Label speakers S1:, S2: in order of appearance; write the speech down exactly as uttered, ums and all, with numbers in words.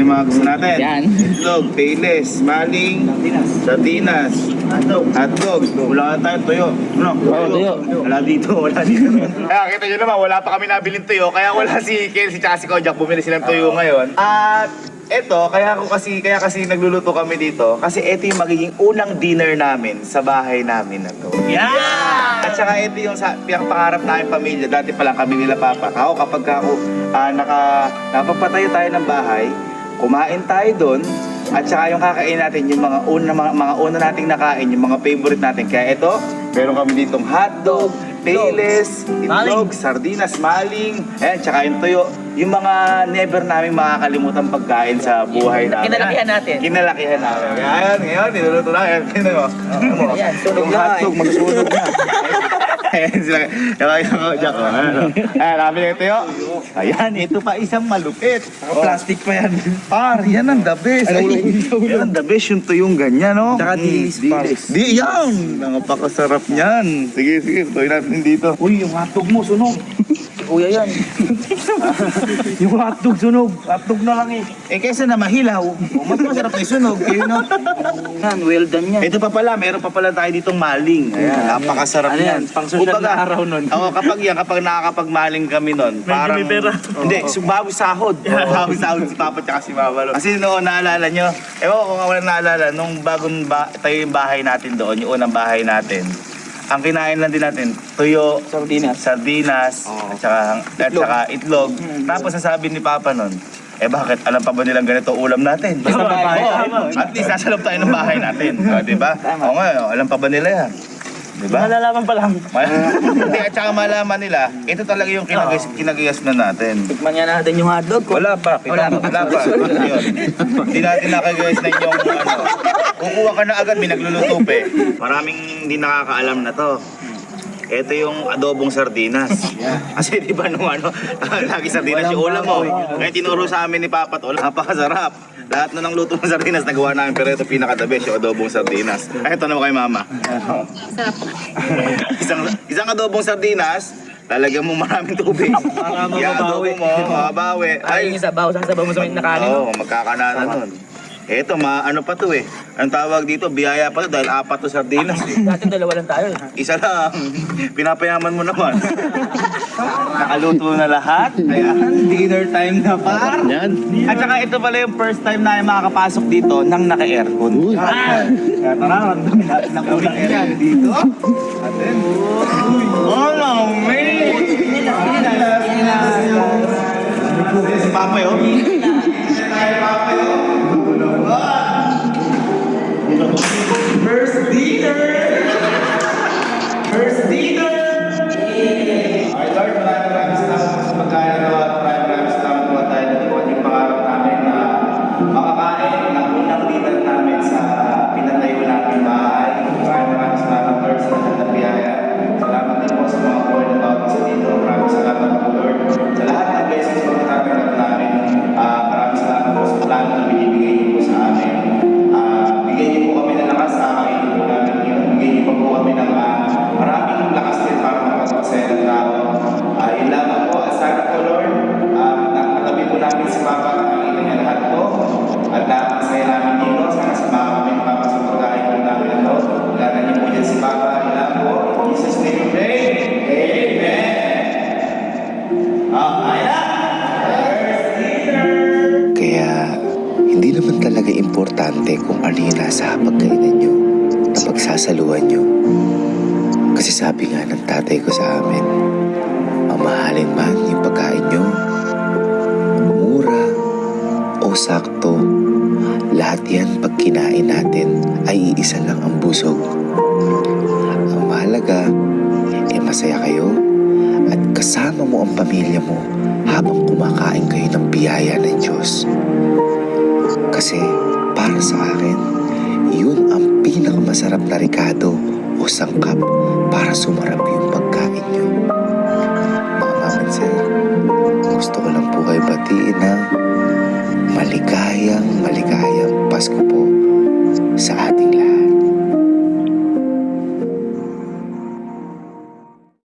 S1: yung mga gusto natin.
S2: Yan.
S1: Itlog, payless, maling, sardinas, hotdog. Wala na tayo, tuyo. Ano?
S2: Oo, tuyo.
S1: Wala dito, wala dito. Kaya kita nyo naman, wala pa kami nabiling tuyo. Kaya wala si Ken, si Chassie Kojak, bumili silang tuyo ngayon. At eto, kaya ako kasi, kaya kasi nagluluto kami dito. Kasi eto yung magiging unang dinner namin sa bahay namin na to. Yeah! At saka ito yung sa, yung pangarap namin pamilya. Dati pa lang kami nila papa. Ako kapag ako uh, naka, napapatayo tayo ng bahay, kumain tayo doon. At saka yung kakain natin, yung mga una, mga, mga una nating nakain, yung mga favorite natin. Kaya ito, meron kami ditong hotdog, payless, itlog, sardinas, maling, ayan, tsaka yung tuyo. Yung mga never namin makakalimutan pagkain sa buhay namin.
S2: Kinalakihan natin.
S1: Kinalakihan namin. Ayan, ngayon, niluluto lang. Ayan, tingnan mo.
S2: Ayan, sunog
S1: Yung
S2: na.
S1: hotdog, magsunog na. Ayan sila. Ayan, Jack. Ayan, namin yung tuyo. Ayan, ito pa isang malupit.
S3: Plastic pa yan.
S1: Par, yan ang the best. Ay, yan ang the best yung tuyong ganyan, no?
S3: Tsaka dilis, par.
S1: Di, yan! Napakasarap niyan. Sige, sige, tuloy natin dito.
S3: Uy, yung hotdog mo, sunog.
S2: Kuya yan.
S3: Yung hotdog sunog. Hotdog na lang eh.
S1: Eh, kaysa na mahilaw, mas masarap na yung sunog. Yun, no?
S2: Yan, well done yan.
S1: Ito pa pala, meron pa pala tayo ditong maling. Ayan, napakasarap
S3: Ano
S1: yan.
S3: yan? Pang social
S1: Kumbaga,
S3: na araw nun.
S1: Ako, kapag yan, kapag nakakapagmaling kami nun, parang...
S3: may pera.
S1: Hindi, oh, bawi sahod. Bawi sahod si Papa at si Mama. Kasi noon, naalala nyo, ewan ko kung wala naalala, nung bagong ba tayo yung bahay natin doon, yung unang bahay natin, ang kinain lang din natin, tuyo,
S2: Sardinas.
S1: sardinas, at saka, at saka itlog. Tapos sasabi ni Papa nun, eh bakit alam pa ba nilang ganito ulam natin?
S2: Basta bahay.
S1: Oo, at least nasa loob tayo ng bahay natin. O, diba? Oo nga, alam pa ba nila yan? Diba?
S3: Malalaman pa lang.
S1: Hindi, at saka malaman nila, ito talaga yung kinagayas, kinagayas na natin.
S2: Tikman nga natin yung hotdog ko.
S1: Wala pa,
S2: Wala pa.
S1: wala pa. Yun. Hindi natin nakagayas na yung ano. Kukuha ka na agad, may nagluluto pa eh. Maraming hindi nakakaalam na to. Ito yung adobong sardinas. Kasi di ba nung ano, lagi sardinas yung ulam mo. Kaya tinuro sa amin ni Papa to, napakasarap. Lahat na ng luto ng sardinas nagawa namin, pero ito pinaka-the best, yung adobong sardinas. Ay, ito naman kay Mama. isang, isang adobong sardinas, lalagyan mo maraming tubig.
S3: Para
S1: I-adobo
S3: mababawi.
S1: mo, mababawi.
S2: Ay, yung sabaw. Saan sabaw mo sa na kanin?
S1: Oo, magkakanana nun. Eto, ma ano pa to eh. Ang tawag dito, biyaya pa to dahil apat to sardinas eh.
S2: Dati dalawa lang tayo.
S1: Isa lang. Pinapayaman mo naman. Nakaluto na lahat. Ayan, dinner time na par. Yan. At saka ito pala yung first time na makakapasok dito nang naka-aircon. Kaya tara, ramdamin natin ng unang aircon dito. Atin. Oh, no, man! Si Papa yun. First dinner! First dinner! Alright Lord, maraming maraming salamat sa pagkain na at maraming maraming salamat po tayo na iwan yung pangarap namin na makakain ng unang dinner namin sa pinatayo namin bahay. Maraming maraming salamat Lord sa lahat ng biyaya. Salamat din po sa mga board na tawag sa dito. Maraming salamat po Lord sa lahat ng blessings po na tatanggap namin. Uh, maraming salamat po sa plano na binibigay niyo po sa amin. Uh, bigyan niyo po kami ng lakas sa akin po namin yun. Bigyan niyo po po kami ng uh, maraming lakas din para makapagpasaya ng tao. Uh, yun lamang po. At sana po Lord, uh, nakatabi po namin si Papa at nakikita niya lahat po. At uh, masaya namin dito. Sana samahan kami ng Papa sa pagkain po namin ito. Lala niyo po dyan si Papa. Yun lang po. In Jesus' name we pray. Amen. Oh, ayan.
S4: Kaya hindi naman talaga importante kung ano yung nasa hapagkainan nyo na pagsasaluhan nyo. Kasi sabi nga ng tatay ko sa amin, mamahalin man yung pagkain nyo, mura o sakto, lahat yan pag kinain natin ay iisa lang ang busog. Ang mahalaga, eh masaya kayo at kasama mo ang pamilya mo habang kumakain kayo ng biyaya ng Diyos. Kasi para sa akin, yun ang pinakamasarap na rekado o sangkap para sumarap yung pagkain nyo. Mga mama and sir, gusto ko lang po kayo batiin na